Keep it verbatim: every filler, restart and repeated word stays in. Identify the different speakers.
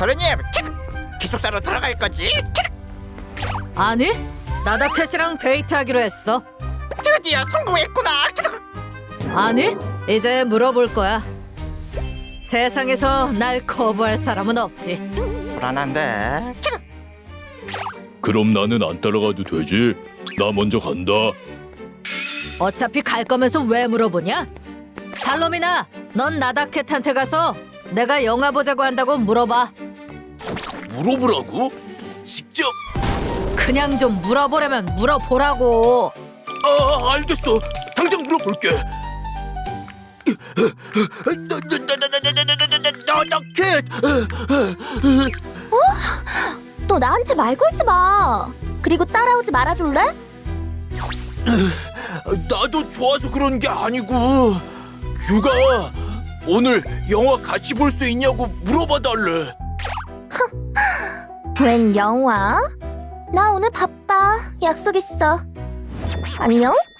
Speaker 1: 도련님, 기숙사로 들어갈 거지?
Speaker 2: 아니, 나다캣이랑 데이트하기로 했어.
Speaker 1: 드디어 성공했구나.
Speaker 2: 아니, 이제 물어볼 거야. 세상에서 날 거부할 사람은 없지.
Speaker 1: 불안한데.
Speaker 3: 그럼 나는 안 따라가도 되지? 나 먼저 간다.
Speaker 2: 어차피 갈 거면서 왜 물어보냐? 발롬이나, 넌 나다캣한테 가서 내가 영화 보자고 한다고 물어봐.
Speaker 3: 물어보라고? 직접?
Speaker 2: 그냥 좀 물어보려면 물어보라고.
Speaker 3: 아, 알겠어. 당장 물어볼게. 나나나나나나나나나나캣.
Speaker 4: 너 나한테 말 걸지 마. 그리고 따라오지 말아줄래?
Speaker 3: 나도 좋아서 그런 게 아니고 규가 오늘 영화 같이 볼 수 있냐고 물어봐달래.
Speaker 4: 웬 영화? 나 오늘 바빠. 약속 있어. 안녕?